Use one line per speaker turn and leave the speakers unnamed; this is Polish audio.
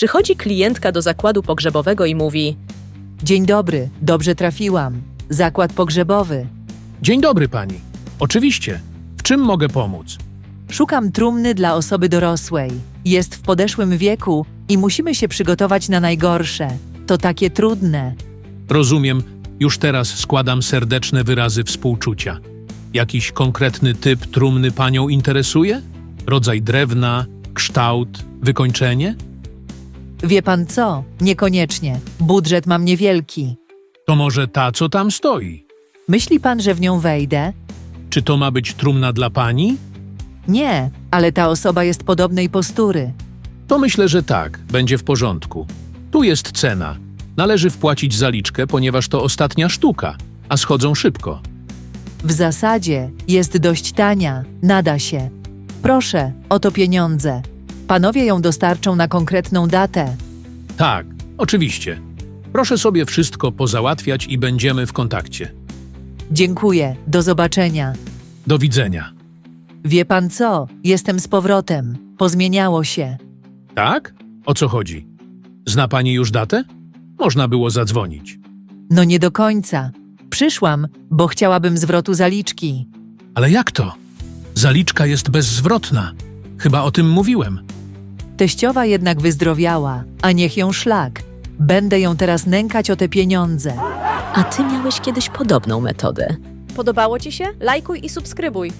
Przychodzi klientka do zakładu pogrzebowego i mówi:
Dzień dobry, dobrze trafiłam. Zakład pogrzebowy.
Dzień dobry pani. Oczywiście. W czym mogę pomóc?
Szukam trumny dla osoby dorosłej. Jest w podeszłym wieku i musimy się przygotować na najgorsze. To takie trudne.
Rozumiem. Już teraz składam serdeczne wyrazy współczucia. Jakiś konkretny typ trumny panią interesuje? Rodzaj drewna, kształt, wykończenie?
Wie pan co? Niekoniecznie. Budżet mam niewielki.
To może ta, co tam stoi?
Myśli pan, że w nią wejdę?
Czy to ma być trumna dla pani?
Nie, ale ta osoba jest podobnej postury.
To myślę, że tak, będzie w porządku. Tu jest cena. Należy wpłacić zaliczkę, ponieważ to ostatnia sztuka, a schodzą szybko.
W zasadzie jest dość tania. Nada się. Proszę, oto pieniądze. Panowie ją dostarczą na konkretną datę.
Tak, oczywiście. Proszę sobie wszystko pozałatwiać i będziemy w kontakcie.
Dziękuję. Do zobaczenia.
Do widzenia.
Wie pan co? Jestem z powrotem. Pozmieniało się.
Tak? O co chodzi? Zna pani już datę? Można było zadzwonić.
No nie do końca. Przyszłam, bo chciałabym zwrotu zaliczki.
Ale jak to? Zaliczka jest bezzwrotna. Chyba o tym mówiłem.
Teściowa jednak wyzdrowiała, a niech ją szlak. Będę ją teraz nękać o te pieniądze.
A ty miałeś kiedyś podobną metodę.
Podobało Ci się? Lajkuj i subskrybuj.